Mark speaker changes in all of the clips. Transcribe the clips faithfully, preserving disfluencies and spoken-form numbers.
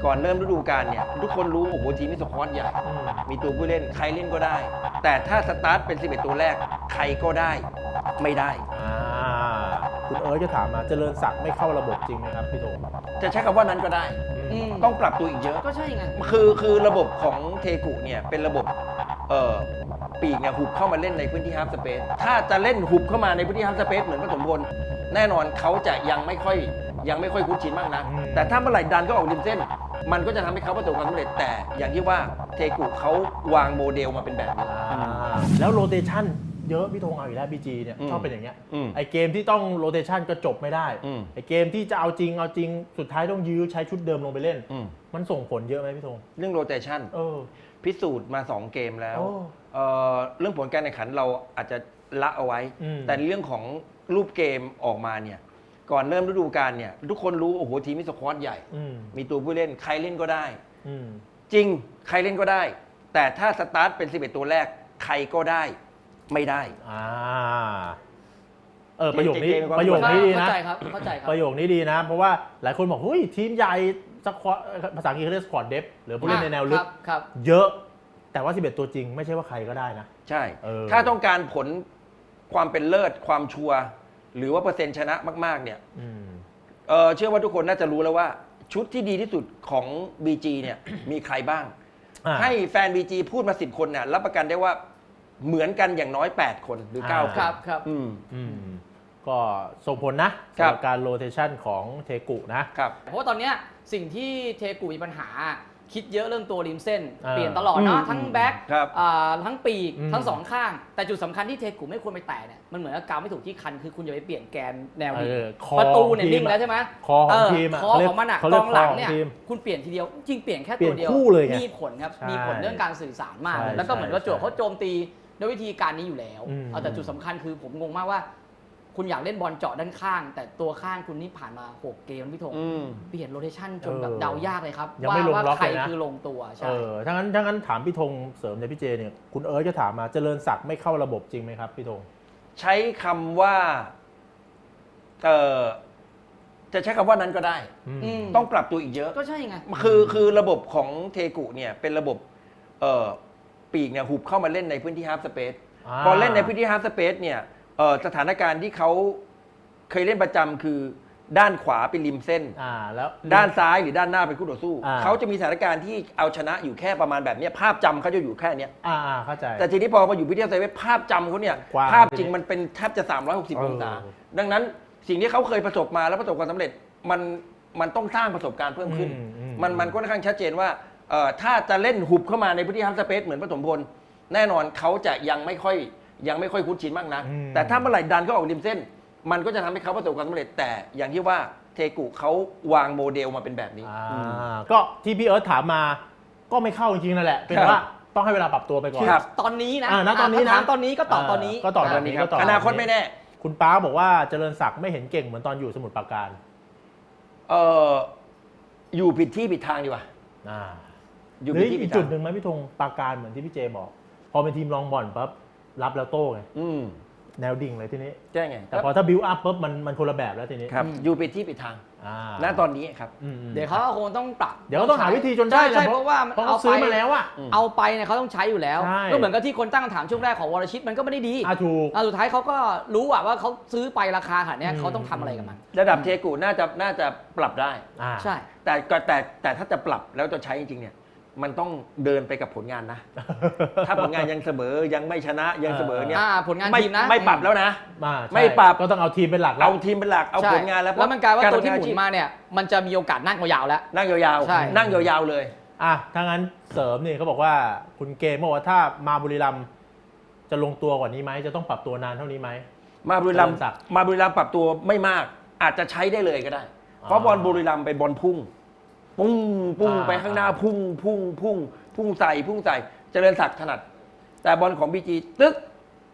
Speaker 1: ก่อนเริ่มฤดูกาลเนี่ยทุกคนรู้โอ้โหทีมมีสควอตใหญ่มีตัวผู้เล่นใครเล่นก็ได้ แต่ถ้าสตาร์ทเป็นสิบเอ็ดตัวแรกใครก็ได้ไม่ได้
Speaker 2: อ่าคุณเอิร์ธจะถามมาเจริญศักดิ์ไม่เข้าระบบจริงไหมครับพี่โต
Speaker 1: จะใช้คำว่านั้นก็ได้ต้องปรับตัวอีกเยอะ
Speaker 3: ก็ใช่ไง
Speaker 1: คือคือระบบของเทกุเนี่ยเป็นระบบเอ่อปีกเนี่ยหุบเข้ามาเล่นในพื้นที่ฮาล์ฟสเปซถ้าจะเล่นหุบเข้ามาในพื้นที่ฮาล์ฟสเปซเหมือนผสมพลแน่นอนเขาจะยังไม่ค่อยยังไม่ค่อยคุ้นชินมากนะแต่ถ้าเมื่อไหร่ดันก็ออกริมเส้นมันก็จะทำให้เขาประสบความสำเร็จแต่อย่างที่ว่าเทกุเขาวางโมเดลมาเป็นแบบนี้
Speaker 2: แล้วโรเตชันเยอะพี่ธงเอาอีกแล้วบีจีเนี่ยชอบเป็นอย่างเงี้ยไอเกมที่ต้องโรเตชันก็จบไม่ได้ไอเกมที่จะเอาจริงเอาจริงสุดท้ายต้องยื้อใช้ชุดเดิมลงไปเล่นมันส่งผลเยอะไหมพี่ธง
Speaker 1: เรื่องโรเตชันพิสูจน์มาสองเกมแล้วเเรื่องผลการแข่งขันเราอาจจะละเอาไว้แต่เรื่องของรูปเกมออกมาเนี่ยก่อนเริ่มฤดูกาลเนี่ยทุกคนรู้โอ้โหทีมมีสควอตใหญ่มีตัวผู้เล่นใครเล่นก็ได้จริงใครเล่นก็ได้แต่ถ้าสตาร์ทเป็นสิบเอ็ดตัวแรกใครก็ได้ไม่ได้
Speaker 2: อ่าเออประโยคนี้ประโยคนี้ดีนะ
Speaker 3: เข้าใจครับเข้าใจครับ
Speaker 2: ประโยคนี้ดีนะเพราะว่าหลายคนบอกเฮ้ยทีมใหญ่สควอตภาษาอังกฤษเขาเรียกสควอตเดฟหรือผู้เล่นในแนวลึกเยอะแต่ว่าสิบเอ็ดตัวจริงไม่ใช่ว่าใครก็ได้นะ
Speaker 1: ใช่ถ้าต้องการผลความเป็นเลิศความชัวร์หรือว่าเปอร์เซ็นต์ชนะมากๆเนี่ยเออเชื่อว่าทุกคนน่าจะรู้แล้วว่าชุดที่ดีที่สุดของ บี จี เนี่ยมีใครบ้างให้แฟน บี จี พูดมาสิบคนเนี่ยรับประกันได้ว่าเหมือนกันอย่างน้อยแปดคนหรือเก้าคน
Speaker 3: ครับครับ
Speaker 2: อืมอืมก็ส่งผลนะสำหรับการโรเทชันของเทกุนะครับ
Speaker 3: เพราะว่าตอนนี้สิ่งที่เทกุมีปัญหาคิดเยอะเรื่องตัวริมเส้นเปลี่ยนตลอดเนาะทั้งแบ็คทั้งปีกทั้งสองข้างแต่จุดสำคัญที่เทกุไม่ควรไปแตะเนี่ยมันเหมือนกับกาวไม่ถูกที่คันคือคุณอย่าไปเปลี่ยนแกนแนวนี้ประตูเนี่ยนิ่งแล้วใช่ไหม
Speaker 2: คอของทีม
Speaker 3: คอของมันอ่ะกองหลังเนี่ยคุณเปลี่ยนทีเดียวจริงเปลี่ยนแค่ตัวเดียวมีผลครับมีผลเรื่องการสื่อสารมากแล้วก็เหมือนว่าโจทย์เขาโจมตีด้วยวิธีการนี้อยู่แล้วแต่จุดสำคัญคือผมงงมากว่าคุณอยากเล่นบอลเจาะด้านข้างแต่ตัวข้างคุณนี่ผ่านมาหกเกมพี่ธงเปลี่ยนโรเทชันจนแบบเดายากเลยครับว่าว่าใครคือลงตัวใช่
Speaker 2: ถ้างั้นถ้างั้นถามพี่ธงเสริมในพี่เจเนี่ยคุณเอิร์ธจะถามมาเจริญศักดิ์ไม่เข้าระบบจริงไหมครับพี่ธง
Speaker 1: ใช้คำว่าเออจะใช้คำว่านั้นก็ได้ต้องปรับตัวอีกเยอะ
Speaker 3: ก็ใช่ไง
Speaker 1: คือคือระบบของเทกุเนี่ยเป็นระบบเออปีกเนี่ยหุบเข้ามาเล่นในพื้นที่ฮาล์ฟสเปซพอเล่นในพื้นที่ฮาล์ฟสเปซเนี่ยสถานการณ์ที่เขาเคยเล่นประจำคือด้านขวาเป็นริมเส้น
Speaker 2: แล้ว
Speaker 1: ด้านซ้ายหรือด้านหน้าเป็นคู่ต่อสู้เขาจะมีสถานการณ์ที่เอาชนะอยู่แค่ประมาณแบบนี้ภาพจำเขาจะอยู่แค่นี้
Speaker 2: เข้าใจ
Speaker 1: แต่ทีนี้พอมาอยู่พื้นที่ฮาล์ฟสเปซภาพจำเขาเนี่ยภาพจริงมันเป็นแทบจะสามร้อยหกสิบองศาดังนั้นสิ่งที่เขาเคยประสบมาแล้วประสบความสำเร็จมันมันต้องสร้างประสบการณ์เพิ่มขึ้นมันมันก็ค่อนข้างชัดเจนว่าถ้าจะเล่นหุบเข้ามาในพื้นที่ฮาล์ฟสเปซเหมือนผสมพลแน่นอนเขาจะยังไม่ค่อยยังไม่ค่อยคุ้นชินมากนะแต่ถ้าเมื่อไหร่ดันก็ออกริมเส้นมันก็จะทำให้เขาประสบความสำเร็จแต่อย่างที่ว่าเทกุเขาวางโมเดลมาเป็นแบบนี้
Speaker 2: ก็ที่พี่เอิร์ธถามมาก็ไม่เข้าจริงๆนั่นแหละเป็นว่าต้องให้เวลาปรับตัวไปก่อน
Speaker 3: ตอนนี้นะ
Speaker 2: ณตอนนี้นะ
Speaker 3: ตอนนี้ก็ตอบตอนนี้
Speaker 2: ก็ตอบตอนนี้ก็ตอบ
Speaker 1: อนาคตไม่แน่
Speaker 2: คุณป้าบอกว่าเจริญศักดิ์ไม่เห็นเก่งเหมือนตอนอยู่สมุทรปราการ
Speaker 1: เอออยู่ผิดที่ผิดทางดีกว่า
Speaker 2: อยู่ผิดที่ผิดทางจุดหนึ่งไหมพี่ธงปราการเหมือนที่พี่เจบอกพอเป็นทีมรองบอลปั๊บรับแล้วโต้ไงแนวดิ่งเลยทีนี้
Speaker 1: ใช่ไง
Speaker 2: แต่พอถ้าบิวอัพปุ๊บมันมันคนละแบบแล้วทีนี้
Speaker 1: ครับอยู่ผิดที่ผิดทางณตอนนี้ครับ
Speaker 3: เดี๋ยวเขาคงต้องปรับ
Speaker 2: เดี๋ยวเขาต้องหาวิธีจนได้
Speaker 3: ใช่เพราะว่า
Speaker 2: เอาซื้อมาแล้วอะ
Speaker 3: เอาไปเนี่ยเขาต้องใช้อยู่แล้วก็เหมือนกับที่คนตั้งคำถามช่วงแรกของวรชิตมันก็ไม่ได้ดี
Speaker 2: ถูก
Speaker 3: สุดท้ายเขาก็รู้ว่าเขาซื้อไปราคาขนาดนี้เขาต้องทำอะไรกับมัน
Speaker 1: ระดับเทกุน่าจะน่าจะปรับได้
Speaker 3: ใช่
Speaker 1: แต่แต่แต่ถ้าจะปรับแล้วจะใช้จริงๆเนี่ยมันต้องเดินไปกับผลงานนะ ถ้าผลงานยังเสมอยังไม่ชนะยังเสมอเนี่ย
Speaker 3: ผลงานทีมนะ
Speaker 1: ไม่ปรับแล้วนะ
Speaker 2: ไม่ปรับก็ต้องเอาทีมเป็นหลัก
Speaker 1: เอาทีมเป็นหลักเอาผลงานแล้ว
Speaker 3: แล้วมันกลายว่าตัวที่หมุนมาเนี่ยมันจะมีโอกาสนั่งยาวๆแล้ว
Speaker 1: นั่งยาวๆนั่งยาวๆเลย
Speaker 2: อ่ะถ้างั้นเสริมนี่เขาบอกว่าคุณเกมบอกว่าถ้ามาบุรีรัมย์จะลงตัวกว่านี้ไหมจะต้องปรับตัวนานเท่านี้ไหม
Speaker 1: มาบุรีรัมย์มาบุรีรัมย์ปรับตัวไม่มากอาจจะใช้ได้เลยก็ได้เพราะบอลบุรีรัมย์เป็นบอลพุ่งปุ้งปุ้งไปข้างหน้าพุ่งพุ่งพุ่งพุ่งใส่พุ่งใส่เจริญศักดิ์ถนัดแต่บอลของ บี จี ตึ๊ก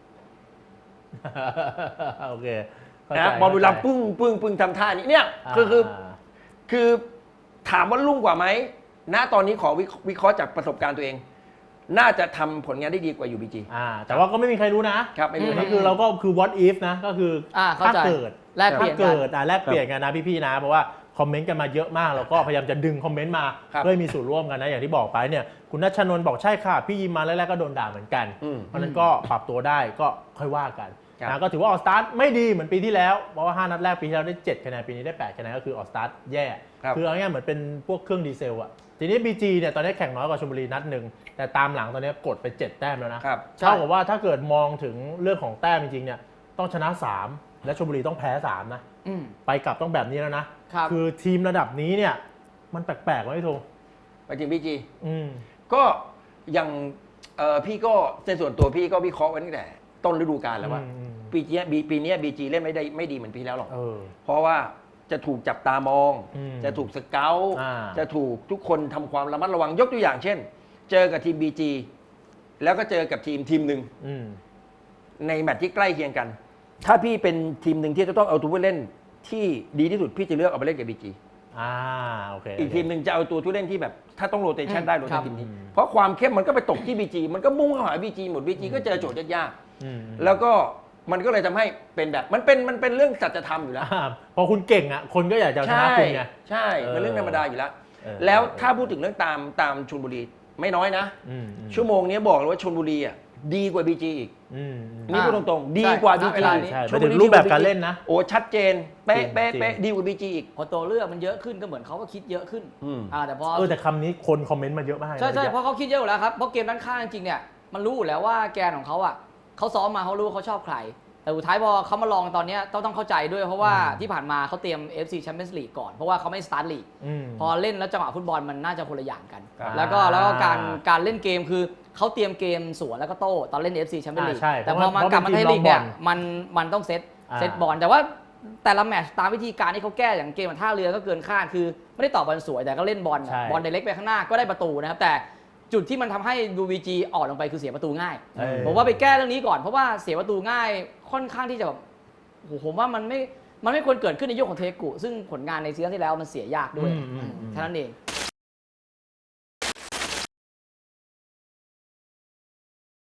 Speaker 2: โอเค
Speaker 1: นะบอลบุรีรัมย์ปุ้งปุ้งปุ้งทำท่านี้เนี่ยคือคือคือถามว่าลุ่งกว่าไหมณตอนนี้ขอวิเคราะห์จากประสบการณ์ตัวเองน่าจะทำผลงานได้ดีกว่าอยู่ บี จี
Speaker 2: อ่าแต่ว่าก็ไม่มีใครรู้นะครับไม่รู้นี่คือเราก็คือ what if นะก็คือถ้าเกิด
Speaker 3: แลกเปลี่ยน
Speaker 2: เกิดอ่าแลกเปลี่ยนกันนะพี่ๆนะเพราะว่าคอมเมนต์กันมาเยอะมากแล้วก็พยายามจะดึงคอมเมนต์มาเพื่อมีส่วนร่วมกันนะอย่างที่บอกไปเนี่ยคุณณัชนนท์บอกใช่ค่ะพี่ยิมมาแรกๆก็โดนด่าเหมือนกันเพราะนั้นก็ปรับตัวได้ก็ค่อยว่ากันนะก็ถือว่าออสตาร์ไม่ดีเหมือนปีที่แล้วเพราะว่าห้านัดแรกปีที่แล้วได้เจ็ดคะแนนปีนี้ได้แปดคะแนนก็คือออสตาร์แย่คือเอาง่ายๆเหมือนเป็นพวกเครื่องดีเซลอะทีนี้ บี จี เนี่ยตอนนี้แข่งน้อยกว่าชลบุรีนัดหนึ่งแต่ตามหลังตอนนี้กดไปเจ็ดแต้มแล้วนะเท่ากับว่าถ้าเกิดมองถึงเรื่องของแต้มจริงๆเนี่ยต้องชนะสามและชลบุรีต้องแพ้สามนะไปกลับต้องแบบนี้แล้วนะคือทีมระดับนี้เนี่ยมันแปลกๆไหมพี่ธง
Speaker 1: ไปถึง บี จี ก็อย่างพี่ก็ในส่วนตัวพี่ก็วิเคราะห์ไว้ตั้งแต่ต้นฤดูกาลแล้วว่าปีนี้ปีนี้ บี จี เล่นไม่ได้ไม่ดีเหมือนปีแล้วหรอกเพราะว่าจะถูกจับตามองจะถูกสเกลจะถูกทุกคนทำความระมัดระวังยกตัวอย่างเช่นเจอกับทีม บี จี แล้วก็เจอกับทีมทีมหนึ่งในแมตช์ที่ใกล้เคียงกันถ้าพี่เป็นทีมหนึ่งที่จะต้องเอาตัวผู้เล่นที่ดีที่สุดพี่จะเลือกเอาไปเล่นกับ บี จี
Speaker 2: อ่าโอเค
Speaker 1: อีกทีมหนึ่งจะเอาตัวผู้เล่นที่แบบถ้าต้องโรเตชันได้โรเตชันทีมนี้เพราะความเข้มมันก็ไปตกที่ บี จี มันก็มุ่งเข้าหา บี จี หมด บี จี ก็เจอโจทย์ยากๆแล้วก็มันก็เลยทำให้เป็นแบบมันเป็นมันเป็นเรื่องสัจธรรมอยู่แล้ว
Speaker 2: พอคุณเก่งอ่ะคนก็อยากจะชนะคุณไง
Speaker 1: ใช่เป็นเรื่องธรรมดาอยู่แล้วแล้วถ้าพูดถึงเรื่องตามตามชลบุรีไม่น้อยนะชั่วโมงนี้บอกเลยว่าชลบุรีอ่ะดีกว่า บี จี อีกนี่พูดตรงๆดีกว่า บี จี
Speaker 2: ชลบุรีรูปแบบการเล่นนะ
Speaker 1: โอ้ชัดเจนเป๊ะเป๊ะเป๊ะดีกว่า บี จี อีก
Speaker 3: พอตัวเลือกมันเยอะขึ้นก็เหมือนเขาก็คิดเยอะขึ้น
Speaker 2: อ่าแต่พอเออแต่คำนี้คนคอมเมนต์มาเยอะมาก
Speaker 3: ใช่ใช่เพราะเขาคิดเยอะอยู่แล้วครับเพราะเกมด้านข้างจริงๆเนี่ยมันรู้อยู่แล้วว่าแกนของเขาอ่ะเขาซ้อมมาเขารู้เขาชอบใครแต่สุดท้ายพอเขามาลองตอนนี้ต้องต้องเข้าใจด้วยเพราะว่าที่ผ่านมาเขาเตรียม เอฟ ซี Champions League ก่อนเพราะว่าเขาไม่สตาร์ทลีกพอเล่นแล้วจังหวะฟุตบอลมันน่าจะคนละอย่างกันแล้วก็แล้วก็การการเล่นเกมคือเขาเตรียมเกมสวนแล้วก็โต้ตอนเล่น เอฟ ซี Champions League แต่พอมากลับมาไทยลีกเนี่ยมันมันต้องเซตเซตบอลแต่ว่าแต่ละแมตช์ตามวิธีการที่เขาแก้อย่างเกมท่าเรือก็เกินคาดคือไม่ได้ต่อบอลสวยแต่ก็เล่นบอลบอลไดเรกไปข้างหน้าก็ได้ประตูนะครับแต่จุดที่มันทำให้ บี จี อ่อนลงไปคือเสียประตูง่ายผมว่าไปแก้เรื่องนี้ก่อนเพราะว่าเสียประตูง่ายค่อนข้างที่จะแบบผมว่ามันไม่มันไม่ควรเกิดขึ้นในยุคของเทกุซึ่งผลงานในซีซั่นที่แล้วมันเสียยากด้วยแค่นั้นเอง